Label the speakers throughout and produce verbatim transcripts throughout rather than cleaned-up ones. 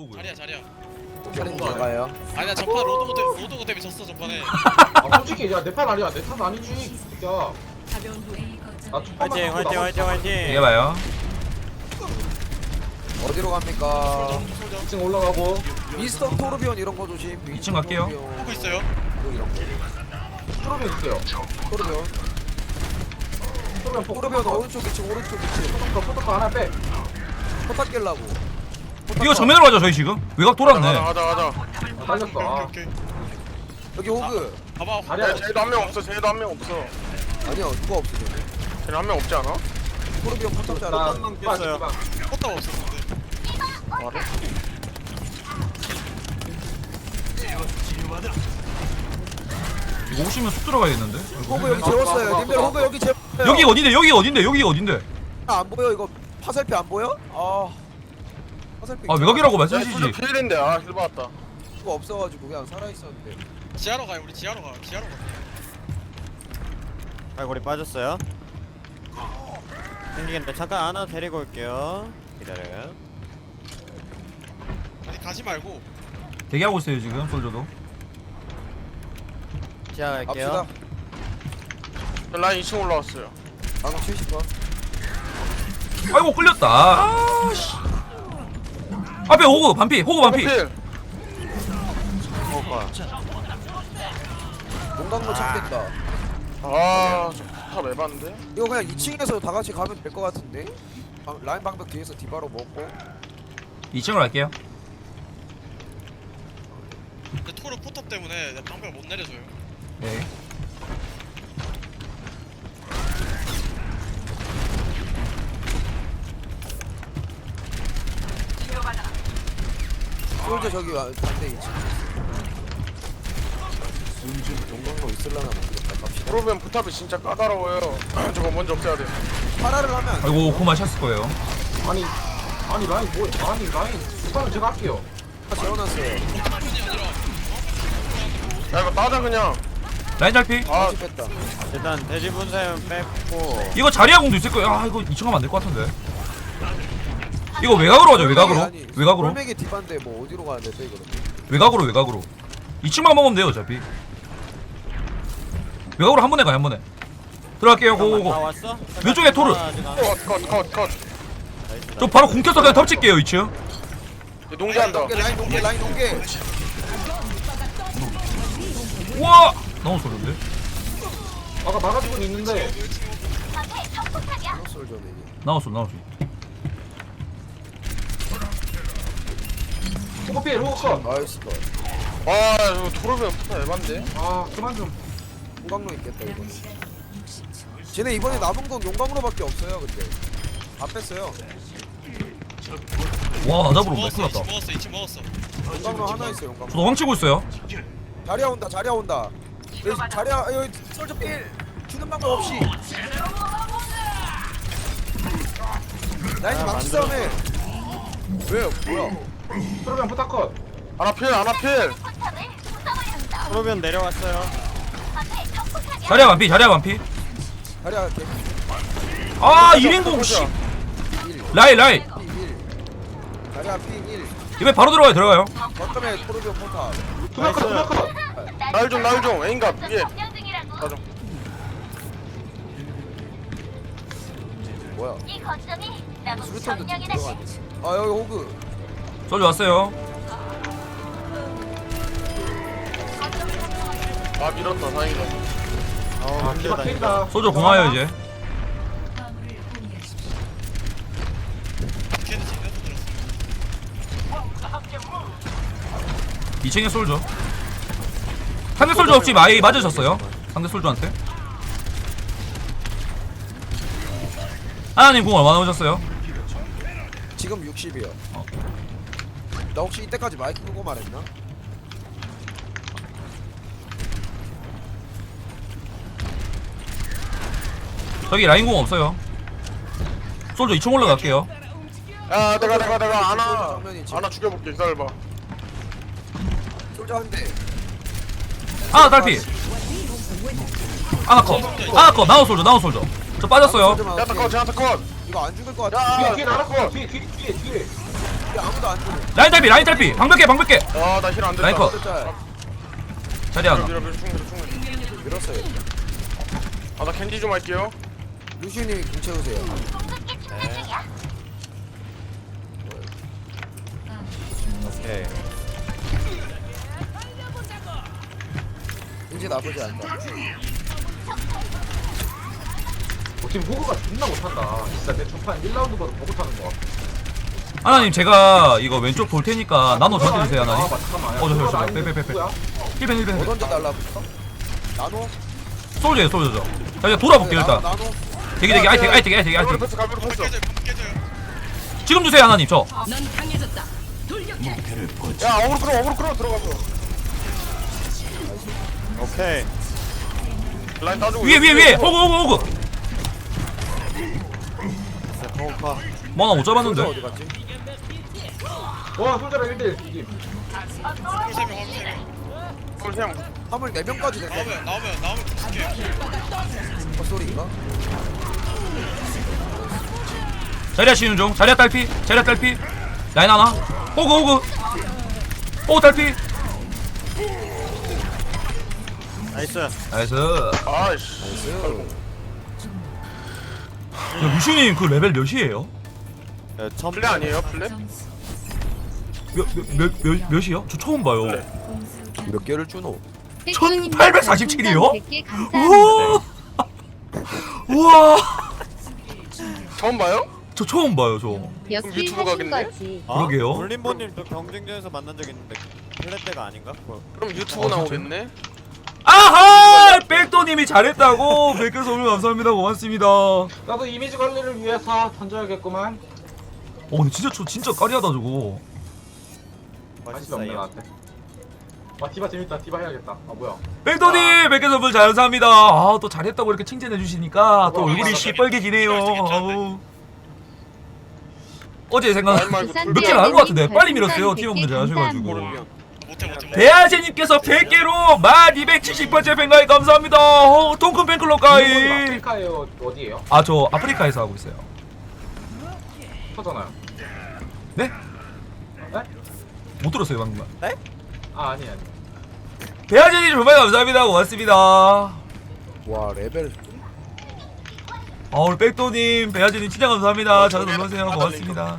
Speaker 1: 호그.
Speaker 2: 자리야 자리야.
Speaker 3: 편 나가요.
Speaker 2: 아니야 전판 로드고 때문에 로드고 때문에 졌어 전판에.
Speaker 4: 아, 솔직히 야 내 판 아니야. 내 판 아니지. 야. 나 첫판
Speaker 5: 화이팅 화이팅 화이팅 화이팅.
Speaker 1: 이게 봐요.
Speaker 3: 어디로 갑니까?
Speaker 2: 소정
Speaker 4: 이 층 올라가고.
Speaker 3: 미스터 토르비온 이런 거 조심.
Speaker 1: 이 층 갈게요.
Speaker 2: 보고 있어요.
Speaker 3: 이런 거.
Speaker 4: 프로면 있어요.
Speaker 3: 토르비온.
Speaker 4: 프로면 포.
Speaker 3: 토르비온 오른쪽 이 층 오른쪽 이 층.
Speaker 4: 포토커 포토커 하나 빼.
Speaker 3: 포탑 깰라고.
Speaker 1: 이거 정면으로 가죠 저희 지금. 외곽 돌았네.
Speaker 5: 가자 가자.
Speaker 4: 아, 달렸어. 아.
Speaker 2: 오케이.
Speaker 3: 여기 호그.
Speaker 2: 봐봐.
Speaker 4: 자리야.
Speaker 5: 야 쟤도 한 명 없어. 쟤도 한 명 없어.
Speaker 3: 아니야 누가 없어 저기.
Speaker 5: 쟤는 한 명 없지 않아?
Speaker 3: 토르비온 포탑 잘
Speaker 4: 나
Speaker 3: 알아.
Speaker 5: 깼어요.
Speaker 2: 컸다 없었는데.
Speaker 5: 말해?
Speaker 1: 이거 오시면 쑥 들어가야겠는데.
Speaker 3: 호그 여기 재웠어요. 님들 호그 여기 재웠어요.
Speaker 1: 여기 어딘데? 여기 어딘데? 여기 어딘데?
Speaker 3: 안 보여 이거 화살표 안 보여? 아. 화살표.
Speaker 1: 아 외곽이라고
Speaker 5: 야
Speaker 1: 말씀하시지.
Speaker 5: 솔저 필인데 아 힐 받았다.
Speaker 3: 수가 없어가지고 그냥 살아 있었는데.
Speaker 2: 지하로 가요. 우리 지하로 가. 지하로 가.
Speaker 5: 발골이 빠졌어요. 생기겠는데 잠깐 하나 데리고 올게요. 기다려요.
Speaker 2: 아니 가지 말고.
Speaker 1: 대기하고 있어요 지금 솔저도.
Speaker 5: 지하 갈게요.
Speaker 3: 갑시다.
Speaker 5: 라인 이 층 올라왔어요.
Speaker 3: 방금 칠십 번.
Speaker 1: 아이고 끌렸다. 아, 씨. 앞에 호그 반피. 호그 반피.
Speaker 5: 필.
Speaker 3: 어, 농강로 찾겠다.
Speaker 5: 아, 저탑 에반데?
Speaker 3: 이거 그냥 이 층에서 다 같이 가면 될 것 같은데? 방, 라인 방벽 뒤에서 디바로 먹고.
Speaker 1: 이 층으로 갈게요.
Speaker 2: 근데 토르 포탑 때문에 내 방벽 못 내려줘요.
Speaker 1: 네.
Speaker 3: 솔저 저기 와, 반대 이 층. 농강로 있을라나 모르겠다. 갑시다.
Speaker 5: 프로면 포탑이 진짜 까다로워요. 저거 먼저 없애야 돼.
Speaker 3: 파라를 하면 안 돼.
Speaker 1: 아이고 고마 셨을 거예요.
Speaker 4: 아니. 아니 라인 뭐 아니 라인. 수반은 제가 할게요.
Speaker 3: 재워놨어요.
Speaker 5: 야 이거 따자 그냥.
Speaker 1: 라인 잘피.
Speaker 5: 아
Speaker 3: 같이 뺐다.
Speaker 5: 일단 돼지 분쇄는 뺐고.
Speaker 1: 이거 자리야 공도 있을 거예요. 아 이거 이 층 가면 안 될 것 같은데. 이거 외곽으로 가죠 외곽으로.
Speaker 3: 아니,
Speaker 1: 외곽으로.
Speaker 3: 홀맥이 디바인데 뭐 어디로 가야 돼 또 이거는.
Speaker 1: 외곽으로 외곽으로. 이 층만 먹으면 돼요 어차피. 외곽으로 한 번에 가요 한 번에. 들어갈게요
Speaker 5: 다
Speaker 1: 고고고.
Speaker 5: 왔어?
Speaker 1: 왼쪽에 토르.
Speaker 5: 컷컷컷 컷.
Speaker 1: 저 바로 공 켜서 그냥 덮칠게요 이 층.
Speaker 5: 농지한다.
Speaker 3: 농계 라인 농계 라인 농계.
Speaker 1: 우와 너무 소린데.
Speaker 4: 아까 막아주고 있는데.
Speaker 3: 솔저네.
Speaker 1: 나왔어 나왔어.
Speaker 4: 호그 필 호그 컷.
Speaker 3: 나이스 컷.
Speaker 5: 아 이거 토르면 포탑 에반데?
Speaker 4: 아 그만 좀.
Speaker 3: 용광로 있겠다 이번에. 쟤네 이번에 남은 건 용광로밖에 없어요 근데. 다 뺐어요.
Speaker 1: 와 나잡으로
Speaker 2: 먹었어.
Speaker 1: 큰일
Speaker 2: 이치
Speaker 1: 났다.
Speaker 2: 먹었어. 이치 먹었어.
Speaker 3: 용광로 하나 있어 용광로.
Speaker 1: 저도 황치고 있어요.
Speaker 3: 자리야 온다 자리야 온다. 여기 자리야 여기 솔저 필 주는 방법 없이. 라인이 망치 싸움해. 왜 뭐야?
Speaker 4: 프로면 포토커.
Speaker 5: 하나 필 하나 필. 프로면 내려왔어요.
Speaker 1: 자리야 반피 자리야 반피.
Speaker 3: 자리야 개.
Speaker 1: 아 일 인공 씨. 라이 라이.
Speaker 3: 피 일. 자리야 피 일.
Speaker 1: 이번에 바로 들어가요 들어가요.
Speaker 3: 거점에 토르비온 포탑.
Speaker 4: 투명 컷 투명 컷.
Speaker 5: 날좀날좀 에인갑 위에. 가좀.
Speaker 3: 뭐야?
Speaker 6: 이 거점이 나무
Speaker 3: 수류탄도
Speaker 6: 점령의
Speaker 3: 지금
Speaker 6: 날씨.
Speaker 3: 들어가네. 아 여기 호그.
Speaker 1: 솔저 왔어요.
Speaker 5: 아 밀었다 다행이다.
Speaker 4: 아 기가 캔다.
Speaker 1: 솔저 공하여 이제.
Speaker 2: 걔는 지금 들었어.
Speaker 1: 이 층에 솔저. 상대 솔저 없이 많이 맞으셨어요. 상대 솔저한테. 하나님 공 얼마나 오셨어요?
Speaker 3: 지금 육십이요.
Speaker 1: 어.
Speaker 3: 나 혹시 이때까지 마이크 끄고 말했나?
Speaker 1: 저기 라인 공 없어요. 솔저 이 층 올라갈게요.
Speaker 5: 야 내가 내가 내가 하나
Speaker 3: 정면이 지금.
Speaker 5: 하나 죽여볼게 기다려봐.
Speaker 3: 솔저 한 대.
Speaker 1: 아나 딸피. 아나 컷. 아나 컷. 나우 솔저 나우 솔저. 저 빠졌어요.
Speaker 3: 솔저만
Speaker 5: 제한타 컷
Speaker 3: 할게.
Speaker 5: 제한타 컷.
Speaker 3: 이거 안 죽을 것
Speaker 5: 야,
Speaker 3: 같아.
Speaker 4: 뒤에 뒤에 나갔어. 뒤에 뒤에 뒤에 뒤에.
Speaker 3: 근데 아무도 안 주네.
Speaker 1: 라인 달피 라인 달피 방벽게 방벽게
Speaker 5: 아나 힐 안 됐다.
Speaker 1: 라인 컷
Speaker 3: 진짜
Speaker 1: 자리 하나
Speaker 5: 밀어 밀어 충분히 충분히.
Speaker 3: 밀었어요.
Speaker 5: 아나 캔디 좀 할게요.
Speaker 3: 루시우님이 공 채우세요.
Speaker 5: 오케이.
Speaker 3: 이제 나쁘지 않다.
Speaker 4: 어, 지금 호그가 존나 못한다. 진짜 내 첫판 일 라운드보다 더 못하는 거 같아.
Speaker 1: 하나님 제가 이거 왼쪽 볼 테니까 나노 저한테 주세요 하나님.
Speaker 4: 아, 잠깐만.
Speaker 1: 어, 저, 저, 저, 빼, 빼, 빼, 빼.
Speaker 4: 누구야?
Speaker 1: 힐벤 힐벤
Speaker 3: 뭐
Speaker 1: 힐벤
Speaker 3: 던져 달라붙어? 나노?
Speaker 1: 솔저예요 솔저죠. 자 이제 돌아볼게요 일단.
Speaker 3: 나노, 나노?
Speaker 1: 대기 대기 아이택 아이택 아이택
Speaker 5: 가비로
Speaker 1: 아이택.
Speaker 5: 패스 가비로 패스.
Speaker 2: 깨져요 방금 깨져요.
Speaker 1: 지금 주세요 하나님 저.
Speaker 5: 야 어그로 끌어 어그로 끌어 들어가서. 오케이. 라인 따주고.
Speaker 1: 위에 위에 위에 호그 호그 호그.
Speaker 5: 호그.
Speaker 1: 뭐나 못
Speaker 3: 솔저
Speaker 1: 잡았는데.
Speaker 3: 어디 갔지?
Speaker 4: 와, 솔저랑 일 대 일 이김.
Speaker 2: 화물 세 명, 화물 세 명.
Speaker 5: 그냥
Speaker 3: 화물 네 명까지 됐네.
Speaker 2: 나오면 나오면 나오면 붙을게.
Speaker 3: 헛소리인가?
Speaker 1: 자리야 치는 중. 자리야 딸피. 자리야 딸피. 라인 하나. 호그 호그. 호그 딸피.
Speaker 5: 나이스.
Speaker 1: 나이스.
Speaker 5: 아이씨.
Speaker 3: 나이스.
Speaker 1: 야, 루시님 그 레벨 몇이에요?
Speaker 5: 플레 아니에요 플레?
Speaker 1: 몇 몇 몇 몇이요? 저 처음 봐요.
Speaker 3: 몇 개를 주노?
Speaker 1: 천팔백사십칠 이요?
Speaker 6: 우와.
Speaker 1: 우와. 우와.
Speaker 5: 처음 봐요?
Speaker 1: 저 처음 봐요 저.
Speaker 6: 역시
Speaker 5: 유튜브 가겠네?
Speaker 6: 거지.
Speaker 1: 그러게요.
Speaker 7: 볼림보님 또 경쟁전에서 만난 적 있는데 플랫 때가 아닌가? 그거.
Speaker 5: 그럼 유튜브
Speaker 1: 어,
Speaker 5: 나오겠네?
Speaker 1: 아하! 백도님이 잘했다고. 백개 선물 감사합니다. 고맙습니다. 어
Speaker 4: 나도 이미지 관리를 위해서 던져야겠구만.
Speaker 1: 근데 진짜 저 진짜 까리하다 저거.
Speaker 4: 관심이 없네
Speaker 7: 맛있어요.
Speaker 4: 나한테. 와, 디바 재밌다. 디바 해야겠다. 아, 뭐야?
Speaker 1: 백도님 백개 선물 잘 감사합니다. 아 또 잘했다고 이렇게 칭찬해 주시니까 또 얼굴이 시뻘개지네요. 아우. 어제 생각
Speaker 5: 라인 말고
Speaker 6: 부산
Speaker 1: 몇 개를 한것 같은데 빨리 밀었어요.
Speaker 6: 별풍선
Speaker 1: 팀원분들
Speaker 6: 백 개
Speaker 1: 잘하셔가지고.
Speaker 6: 감사합니다.
Speaker 2: 못해 못해 못해.
Speaker 1: 배아제님께서 백 개로 만 이백칠십 번째 팬가입 감사합니다. 어, 통큰 팬클럽
Speaker 4: 일본은
Speaker 1: 가입.
Speaker 4: 아프리카에요. 어디에요?
Speaker 1: 아 저 아프리카에서 하고 있어요.
Speaker 4: 터잖아요.
Speaker 1: 네?
Speaker 4: 네?
Speaker 1: 못 들었어요 방금.
Speaker 4: 아, 아니 아니.
Speaker 1: 배아제님 정말 감사합니다. 고맙습니다.
Speaker 3: 와 레벨.
Speaker 1: 아 오늘 백도님 배아제님 진짜 감사합니다. 잘 놀러오세요. 고맙습니다.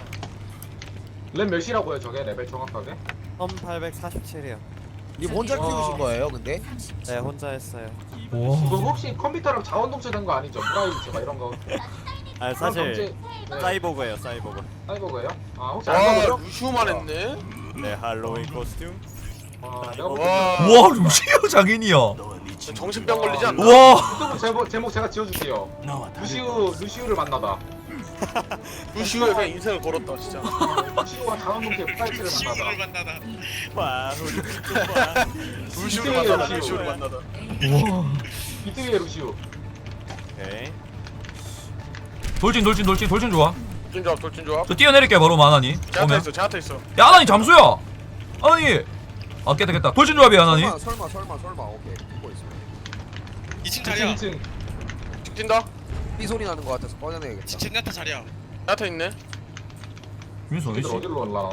Speaker 4: 랩 몇이라고요, 저게? 레벨 정확하게?
Speaker 7: 천팔백사십칠이요.
Speaker 3: 니 혼자
Speaker 4: 와.
Speaker 3: 키우신 거예요 근데?
Speaker 7: 네 혼자 했어요.
Speaker 4: 그
Speaker 1: 와.
Speaker 4: 혹시 컴퓨터랑 자원동체 된 거 아니죠? 프라이브체가 이런 거.
Speaker 7: 아
Speaker 4: 그런
Speaker 7: 사실
Speaker 4: dom체- 네.
Speaker 7: 사이보그예요 사이보그.
Speaker 4: 사이버그예요? 아, 혹시
Speaker 5: 와
Speaker 4: 알고
Speaker 5: 루시우만 했네?
Speaker 7: 네 할로윈 코스튬.
Speaker 4: 아, 내가 볼
Speaker 5: 와.
Speaker 4: 때
Speaker 1: 와 루시오 장인이야.
Speaker 5: 정신병 걸리지 않나?
Speaker 1: 와.
Speaker 4: 유튜브 제목, 제목 제가 지어줄게요. 루시우, 루시우를 만나다.
Speaker 5: 루시우에 그냥 인생을 걸었다 진짜.
Speaker 4: 루시우와 자원동체 프라이브체를
Speaker 2: 시우를
Speaker 4: 만나다.
Speaker 2: 만나다.
Speaker 7: 와 우리 와.
Speaker 5: 루시우를
Speaker 4: 이때예요,
Speaker 5: 만나다
Speaker 4: 루시우.
Speaker 5: 루시우를 만나다.
Speaker 1: 와.
Speaker 4: 이때의 루시우.
Speaker 7: 오케이.
Speaker 1: 돌진 돌진 돌진 돌진 좋아.
Speaker 5: 돌진 조합 돌진 조합.
Speaker 1: 저 뛰어내릴게요 바로 마나니.
Speaker 5: 제한테
Speaker 1: 오면.
Speaker 5: 있어 제한테 있어.
Speaker 1: 야 하나니 잠수야. 하나니. 아 깼다 깼다. 돌진 조합이야 하나니.
Speaker 3: 설마 설마 설마 설마 오케이 듣고 있어.
Speaker 2: 이 층
Speaker 4: 이 층,
Speaker 2: 자리야.
Speaker 4: 이 층.
Speaker 5: 직진다.
Speaker 3: 삐 소리 나는 거 같아서 꺼내내야겠다.
Speaker 2: 젠야타 자리야.
Speaker 5: 제한테 있네.
Speaker 1: 민수
Speaker 4: 얘들
Speaker 1: 어디지?
Speaker 4: 어디로 올라가?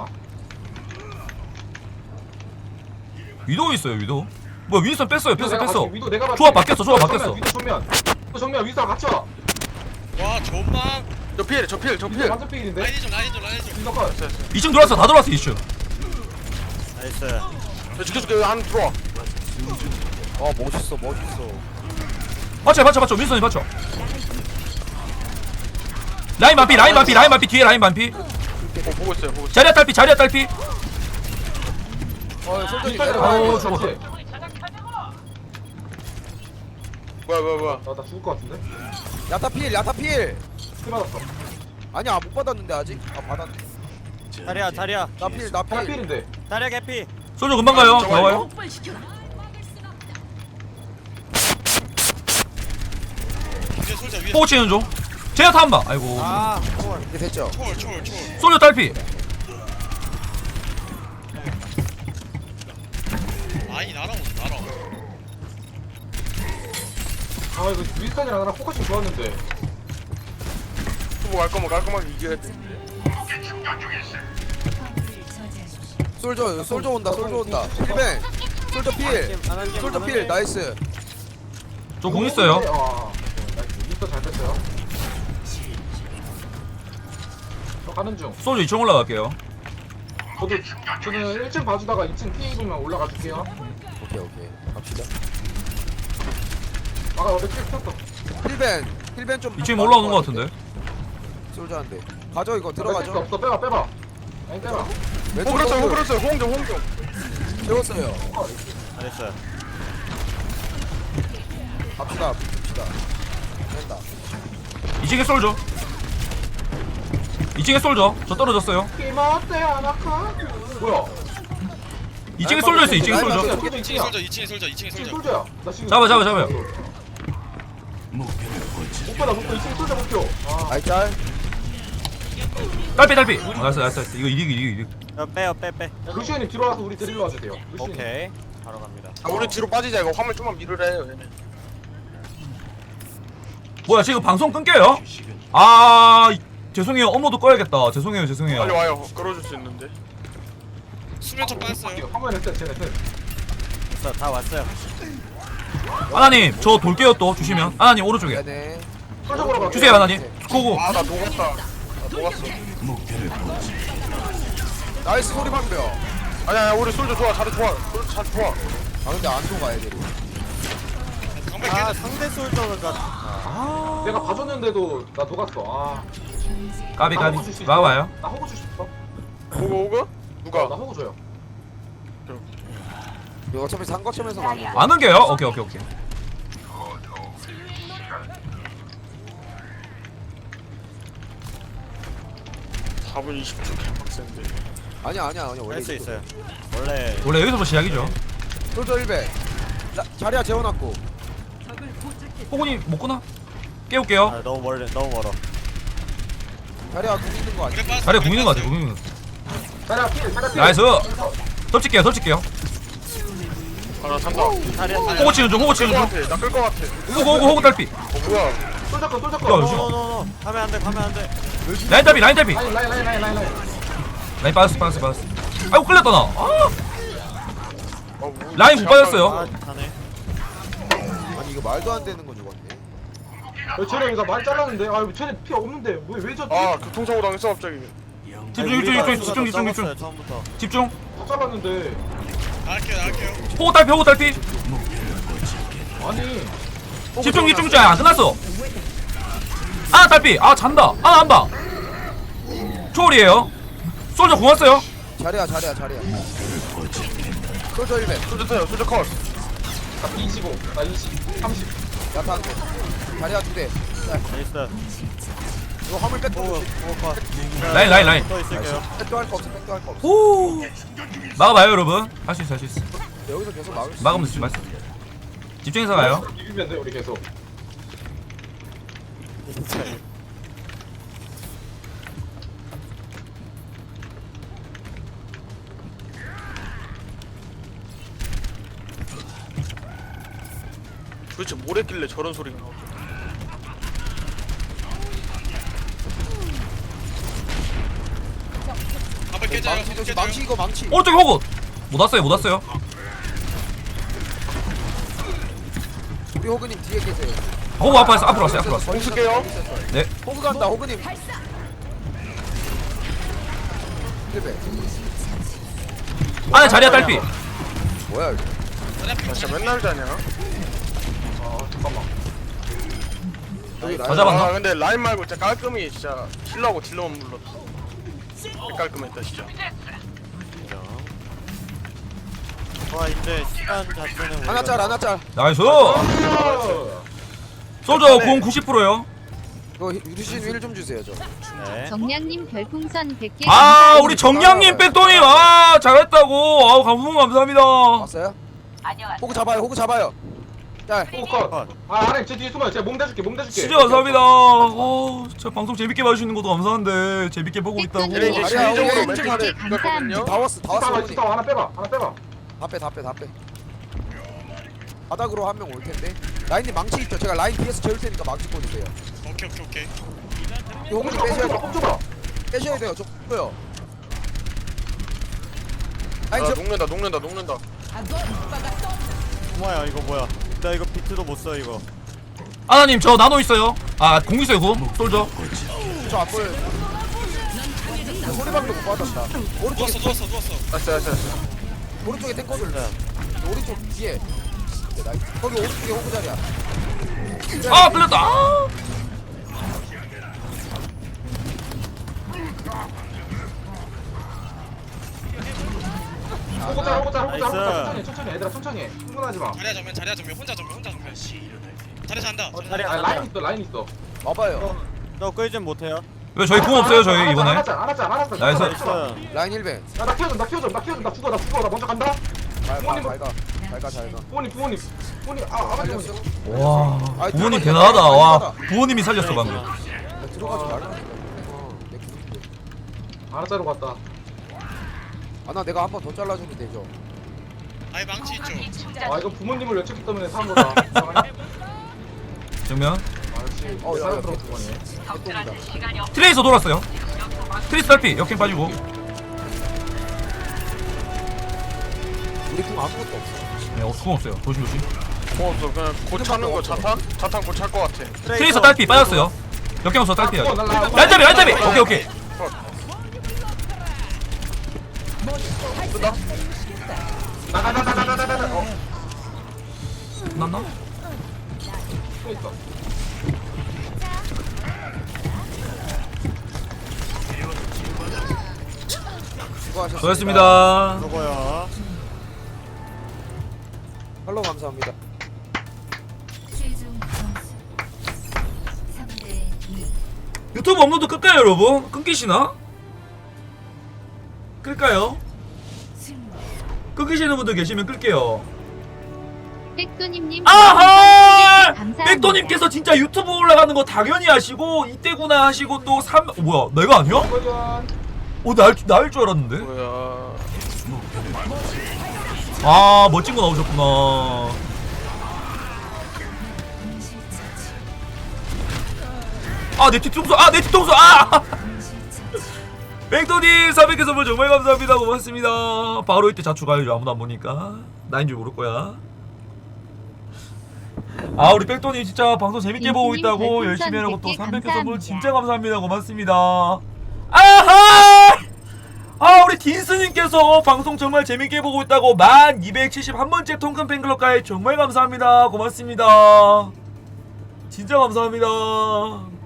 Speaker 1: 위도 있어요 위도. 뭐야 윈선 뺐어요 뺐어
Speaker 4: 내가
Speaker 1: 뺐어.
Speaker 4: 봤지, 위도 내가 봤지.
Speaker 1: 조합 바뀌었어 조합
Speaker 4: 정면,
Speaker 1: 바뀌었어.
Speaker 4: 위도 정면. 위도 정면, 위도랑 같이 와.
Speaker 2: 와 존망.
Speaker 5: 저 필, 저 필, 저
Speaker 4: 위도
Speaker 5: 필.
Speaker 4: 완전 필인데?
Speaker 2: 라인이죠 라인이죠 라인이죠.
Speaker 4: 위도 컷.
Speaker 5: 됐어, 됐어.
Speaker 1: 이 층 들어왔어 다 들어왔어 이 층.
Speaker 7: 나이스.
Speaker 5: 저 지켜줄게. 여기 안 들어와.
Speaker 3: 어 멋있어 멋있어.
Speaker 1: 받쳐 받쳐 받쳐 윈선이 받쳐. 라인 반피 라인 반피 라인 반피 뒤에 라인 반피.
Speaker 5: 어, 보고 있어요, 보고 있어요.
Speaker 1: 자리야 딸피 자리야 딸피.
Speaker 3: 어 솔직히
Speaker 4: 윈스턴
Speaker 3: 내려가.
Speaker 4: 아우,
Speaker 1: 좋아.
Speaker 4: 좋지.
Speaker 5: 뭐야, 뭐야, 뭐야.
Speaker 4: 나, 나 죽을 것 같은데?
Speaker 3: 야타 필 야타 필.
Speaker 4: 킬 받았어.
Speaker 3: 아니야 못 받았는데 아직. 아 받았네.
Speaker 7: 자리야 자리야
Speaker 3: 나 필 나
Speaker 4: 하나
Speaker 3: 필.
Speaker 4: 필인데.
Speaker 7: 자리야 개피.
Speaker 1: 솔저 금방 가요.
Speaker 5: 저거
Speaker 1: 나와요.
Speaker 2: 위에 솔자 위에.
Speaker 1: 포치는 중. 제야타 한 방. 아이고.
Speaker 7: 아 헐.
Speaker 3: 이게 됐죠?
Speaker 2: 초월 초월 초월.
Speaker 1: 솔저 딸피.
Speaker 2: 라인이 날아오는 날아.
Speaker 4: 아, 이거 윈스턴이랑 나랑 포커싱 좋았는데.
Speaker 5: 후보 갈 거면 깔끔하게 이겨야 돼.
Speaker 3: 솔저 솔저 온다 솔저 온다 힐벤 솔저 필 솔저 필 나이스.
Speaker 1: 저 공 있어요.
Speaker 4: 아, 나이스. 이거 잘 뺐어요. 저 가는 중.
Speaker 1: 솔저 이 층 올라갈게요.
Speaker 4: 저도 저는 일 층 봐주다가 이 층 피 입으면 올라가 줄게요.
Speaker 3: 오케이 오케이 갑시다.
Speaker 4: 아까 어제 킬 켰어.
Speaker 3: 힐벤 힐벤 좀
Speaker 1: 이 층 올라오는 것 같은데.
Speaker 3: 솔저 한대 가져 이거
Speaker 4: 뺄수
Speaker 3: 들어가죠.
Speaker 4: 없어. 빼봐 빼봐. 아니 빼봐.
Speaker 3: 왼쪽
Speaker 5: 호 그렇어요 호
Speaker 3: 솔저
Speaker 5: 그렇어요 호응좀 호응좀.
Speaker 3: 채웠어요.
Speaker 7: 잘했어요.
Speaker 3: 갑시다 붙읍시다. 된다.
Speaker 1: 이 층에 솔저. 이 층에 솔저. 저 떨어졌어요.
Speaker 4: 이모떼 아나카. 뭐야?
Speaker 1: 이 층에 솔저 있어. 이 층에 솔저.
Speaker 2: 이 층에 솔져 이 층에 솔져 이 층에
Speaker 4: 이 층
Speaker 2: 솔져.
Speaker 4: 솔저야. 나 지금
Speaker 1: 잡아, 잡아, 잡아요.
Speaker 4: 못 받아 못 받아. 이 층 솔저 목표. 아.
Speaker 3: 알짤.
Speaker 1: 딸피 딸피. 어, 나이스 나이스 나이스. 이거 이득 이득 이득.
Speaker 7: 어, 빼요 빼 빼.
Speaker 4: 야, 루시언이 뒤로 와서 우리 데리러 와주세요. 루시언이.
Speaker 7: 오케이. 바로 갑니다.
Speaker 5: 아, 우리 뒤로 빠지자 이거 화물 좀만 밀으래. 얘네.
Speaker 1: 뭐야 지금 방송 끊겨요? 아 이- 죄송해요. 업로드 꺼야겠다. 죄송해요 죄송해요.
Speaker 5: 빨리 와요. 끌어줄 수 있는데.
Speaker 2: 수면총 빠졌어요.
Speaker 4: 화면에 셋 쟤네 셋.
Speaker 7: 됐어 다 왔어요.
Speaker 1: 하나님 저 돌게요 또 주시면. 하나님 오른쪽에.
Speaker 3: 네네.
Speaker 4: 솔저 보러 가.
Speaker 1: 주세요 하나님. 고고.
Speaker 5: 아 나 녹았다. 나 녹았어.
Speaker 3: 나이스 소리 방벽.
Speaker 5: 아니야 우리 솔저 좋아. 자리 좋아. 솔저 자리 좋아.
Speaker 3: 아 근데 안 속아야 돼.
Speaker 2: 방백
Speaker 7: 아
Speaker 2: 깨져.
Speaker 7: 상대 솔저가
Speaker 4: 내가 봐줬는데도 나 녹았어. 아.
Speaker 1: 까비
Speaker 4: 나
Speaker 1: 까비.
Speaker 4: 호구 줄수 있어?
Speaker 1: 와봐요.
Speaker 4: 나 호구 줄수 있어?
Speaker 5: 호그 호그?
Speaker 4: 어,
Speaker 5: 누가?
Speaker 4: 나 호구 줘요.
Speaker 3: 이거 어차피 상거점에서 가는 거.
Speaker 1: 안 넘겨요? 오케이 오케이 오케이.
Speaker 5: 사 분 이십 초 개빡센데.
Speaker 3: 아니야 아니야 아니야 원래
Speaker 7: 할 수
Speaker 3: 이거.
Speaker 7: 있어요. 원래
Speaker 1: 원래 여기서부터 시작이죠.
Speaker 3: 솔저 힐벤. 자리야 재워놨고.
Speaker 1: 호구님 못 끊어? 깨울게요.
Speaker 7: 아, 너무 멀리 너무 멀어.
Speaker 3: 자리야 공 있는 거 아니야?
Speaker 2: 그래 빠졌어.
Speaker 1: 자리에 공 있는 거 같아. 공 있는 거.
Speaker 4: 자리야 필 자리야 필.
Speaker 1: 나이스. 덮칠게요 덮칠게요.
Speaker 5: 아나 잔다.
Speaker 7: 자리야
Speaker 1: 호구 치는 중 호구 치는
Speaker 5: 끌것
Speaker 1: 중.
Speaker 5: 같아. 나 끌 것 같아.
Speaker 1: 호구 호구 호구 딸피.
Speaker 5: 어 뭐야?
Speaker 4: 솔저 거 솔저
Speaker 1: 야,
Speaker 4: 거.
Speaker 1: 요즘-
Speaker 7: 노노노노. 가면 안 돼. 가면 안 돼.
Speaker 1: 라인 딸피 라인 딸피.
Speaker 4: 라인 라인 라인 라인 라인 라인.
Speaker 1: 라인 빠졌어 빠졌어 빠졌어. 아이고 끌렸다 나. 아,
Speaker 5: 어, 뭐,
Speaker 1: 라인 못 빠졌어요.
Speaker 7: 아, 가네.
Speaker 3: 아니 이거 말도 안 되는 거 죽었네.
Speaker 4: 어, 쟤네 나 많이 잘랐는데. 아 쟤네 피 없는데 왜왜 저?
Speaker 5: 아 교통사고 당했어 갑자기.
Speaker 1: 집중 집중 집중 집중 집중 집중
Speaker 7: 처음부터.
Speaker 1: 집중.
Speaker 4: 다 잘랐는데.
Speaker 2: 나갈게요 나갈게요.
Speaker 1: 호구 딸피 호구 딸피.
Speaker 4: 아니.
Speaker 1: 집중 집중 집중. 안 끝났어. 아 딸피. 아 잔다. 아 안봐. 초월이에요. 솔저 공 왔어요.
Speaker 3: 자리야 자리야 자리야. 솔저 힐벤.
Speaker 5: 솔저 타요. 솔저 컷.
Speaker 4: 나 이십오. 나 이십. 삼십.
Speaker 3: 야타 한 대. 자리야 두 대.
Speaker 7: 나이스.
Speaker 3: 이거 화물 백도
Speaker 7: 오, 오, 컷.
Speaker 1: 라인 라인 라인.
Speaker 7: 또 있을게요.
Speaker 3: 백도 할 거 없어 백도 할 거 없어.
Speaker 1: 오. 막아봐요 여러분. 할 수 있어 할 수 있어.
Speaker 3: 여기서 계속 막을 수.
Speaker 1: 막으면 되지 말씀. 집중해서 가요.
Speaker 4: 비비면 돼 우리 계속.
Speaker 5: 도대체 뭘 했길래 저런 소리가 나오죠?
Speaker 2: 방백 깨져요.
Speaker 3: 망치
Speaker 2: 방백
Speaker 3: 조심.
Speaker 2: 깨져요.
Speaker 3: 망치 이거 망치.
Speaker 1: 오른쪽에 호구. 못 왔어요 못 왔어요.
Speaker 3: 우리 호그님 뒤에 계세요.
Speaker 1: 호구 앞으로 왔어 앞으로 왔어요 앞으로 왔어.
Speaker 5: 공 쓸게요.
Speaker 1: 네.
Speaker 3: 호그 간다 호그님. 힐벤.
Speaker 1: 안에 자리야 딸피.
Speaker 3: 뭐야 이거?
Speaker 2: 자리 앞에
Speaker 5: 나 진짜 맨날 자냐?
Speaker 4: 아 잠깐만.
Speaker 3: 여기
Speaker 1: 다
Speaker 3: 라인.
Speaker 1: 잡았나?
Speaker 5: 아 근데 라인 말고 진짜 깔끔히 진짜 힐러하고 딜러만 불렀어. 깔끔했다 진짜.
Speaker 7: 와 이제 시간 자체는
Speaker 3: 하나 짤 하나 짤.
Speaker 1: 나이스.
Speaker 4: 아,
Speaker 1: 솔저 공 구십 퍼센트요.
Speaker 3: 이거 유리신 힐 좀 주세요 저.
Speaker 7: 네.
Speaker 6: 정량님 별풍선 백 개
Speaker 1: 아 우리 정량님 백도님 아 잘했다고. 아우 감동 감사합니다.
Speaker 3: 왔어요? 호그 잡아요 호그 잡아요. 짤.
Speaker 4: 오 컷. 아 아래 제 뒤에 숨어요. 제가 몸 대줄게 몸 대줄게.
Speaker 1: 진짜 감사합니다. 어, 저 방송 재밌게 봐주시는 것도 감사한데 재밌게 보고 있다고.
Speaker 5: 얘네 이제
Speaker 3: 아니야,
Speaker 5: 실질적으로
Speaker 3: 우리
Speaker 5: 멘트
Speaker 6: 왼쪽에
Speaker 5: 하래
Speaker 6: 감사합니다.
Speaker 5: 그거거든요.
Speaker 3: 다 왔어 다 왔어
Speaker 4: 지타와
Speaker 3: 호그님.
Speaker 4: 지타와 하나 빼봐 하나 빼봐.
Speaker 3: 다빼 다 빼 다 빼. 바닥으로 한 명 올 텐데. 라인님 망치 있죠? 제가 라인 뒤에서 재울 테니까 망치 꽂으세요.
Speaker 2: 오케이 오케이 오케이.
Speaker 3: 이 호그님
Speaker 4: 홈
Speaker 3: 빼셔야
Speaker 4: 줘봐
Speaker 3: 돼요.
Speaker 4: 홈 줘봐.
Speaker 3: 빼셔야 돼요. 저 뭐요? 아니
Speaker 5: 아
Speaker 3: 저
Speaker 5: 녹는다 녹는다 녹는다.
Speaker 7: 뭐야 이거 뭐야? 나 이거 비트도 못 써 이거.
Speaker 1: 아나님 저 나노 있어요. 아 공 있어요 공. 솔저.
Speaker 3: 저 앞을 소리방도 못 받았다. 오른쪽에
Speaker 2: 누웠어 누웠어 누웠어.
Speaker 5: 알았어 알았어 알았어.
Speaker 3: 오른쪽에 탱커들. 오른쪽 뒤에. 네, 나이스. 거기 오른쪽에 호구 자리야.
Speaker 1: 아 끌렸다. 아.
Speaker 4: 호구 짤 호구 짤 호구 짤 호구 짤.
Speaker 7: 나이스.
Speaker 4: 천천히 천천히 얘들아 천천히 해. 흥분하지 마.
Speaker 2: 자리야 정면 자리야 정면 혼자 정면 혼자 정면. 자리 잔다.
Speaker 7: 어, 자리
Speaker 4: 아
Speaker 7: 안
Speaker 4: 라인
Speaker 7: 나.
Speaker 4: 있어 라인 있어.
Speaker 3: 와봐요.
Speaker 7: 너 끌 좀 못해요?
Speaker 1: 왜 저희 공 없어요 저희 이번에?
Speaker 4: 알았어 알았어 알았어.
Speaker 1: 나이스.
Speaker 7: 나이스.
Speaker 3: 라인 일 배.
Speaker 4: 야나 키워줘 나 키워줘 나 키워줘 나 죽어 나 죽어 나 먼저 간다.
Speaker 3: 잘가 잘가 잘가 잘가.
Speaker 4: 부모님 부모님 부모님 아 아버지
Speaker 3: 살렸어.
Speaker 4: 부모님.
Speaker 1: 와
Speaker 3: 아이,
Speaker 1: 부모님
Speaker 3: 들어가지
Speaker 1: 대단하다.
Speaker 3: 마.
Speaker 1: 와 부모님이 살렸어 방금.
Speaker 3: 야, 들어가지 말라. 어, 내 기분인데.
Speaker 4: 알았자로 갔다.
Speaker 3: 아나 내가 한 번 더 잘라주면 되죠.
Speaker 2: 아이 망치 있죠.
Speaker 4: 아 이거 부모님을 외쳤기 때문에 산 거다.
Speaker 1: 정면.
Speaker 4: 아역시
Speaker 3: 어, 야, 야,
Speaker 4: 사람 들어 그거네.
Speaker 3: 개똥이다.
Speaker 1: 트레이서 돌았어요. 트레이서 달피 역행 빠지고.
Speaker 3: 우리 궁 아무것도 없어.
Speaker 1: 네, 어, 공 없어요. 조심 조심.
Speaker 5: 뭐 없어 그냥 곧 차는 거 자탄? 자탄 곧 찰 거 같아.
Speaker 1: 트레이서 딸피 빠졌어요. 역경 없어 딸피야.
Speaker 4: 아, 날라-
Speaker 1: 얄잡이 얄잡이. 오케이 오케이.
Speaker 4: 나가나가나가나가. 어.
Speaker 1: 났나?
Speaker 4: 또 있어.
Speaker 3: 수고하셨습니다.
Speaker 1: 수고하셨습니다.
Speaker 7: 누구야?
Speaker 3: 팔로우 감사합니다.
Speaker 8: 최종 점수 삼 대 이.
Speaker 1: 유튜브 업로드 끌까요 여러분? 끊기시나? 끌까요?
Speaker 8: 승리.
Speaker 1: 끊기시는 분들 계시면 끌게요.
Speaker 6: 백도님님
Speaker 1: 아하!
Speaker 6: 감사합니다.
Speaker 1: 백도님께서 진짜 유튜브 올라가는 거 당연히 하시고 이때구나 하시고 또 삼... 뭐야 내가 아니야?
Speaker 4: 이거전.
Speaker 1: 어 날, 나일 줄 알았는데?
Speaker 5: 뭐야.
Speaker 1: 아 멋진 거 나오셨구나.
Speaker 8: 실차치.
Speaker 1: 아내 뒤통수 아 내 뒤통수 아!
Speaker 8: 실차치.
Speaker 1: 백도님 사백 개 선물 정말 감사합니다. 고맙습니다. 바로 이때 자축 알려줘. 아무도 안 보니까 나인 줄 모를 거야. 아 우리 백도님 진짜 방송 재밌게 보고
Speaker 6: 딘스님
Speaker 1: 있다고
Speaker 6: 별풍선
Speaker 1: 열심히 하고 또
Speaker 6: 백 개
Speaker 1: 삼백 개 선물
Speaker 6: 감사합니다.
Speaker 1: 진짜 감사합니다. 고맙습니다. 아하! 아 우리 딘스님께서 방송 정말 재밌게 보고 있다고 만 이백칠십일 번째 통큰 팬클럽 가입 정말 감사합니다. 고맙습니다. 진짜 감사합니다.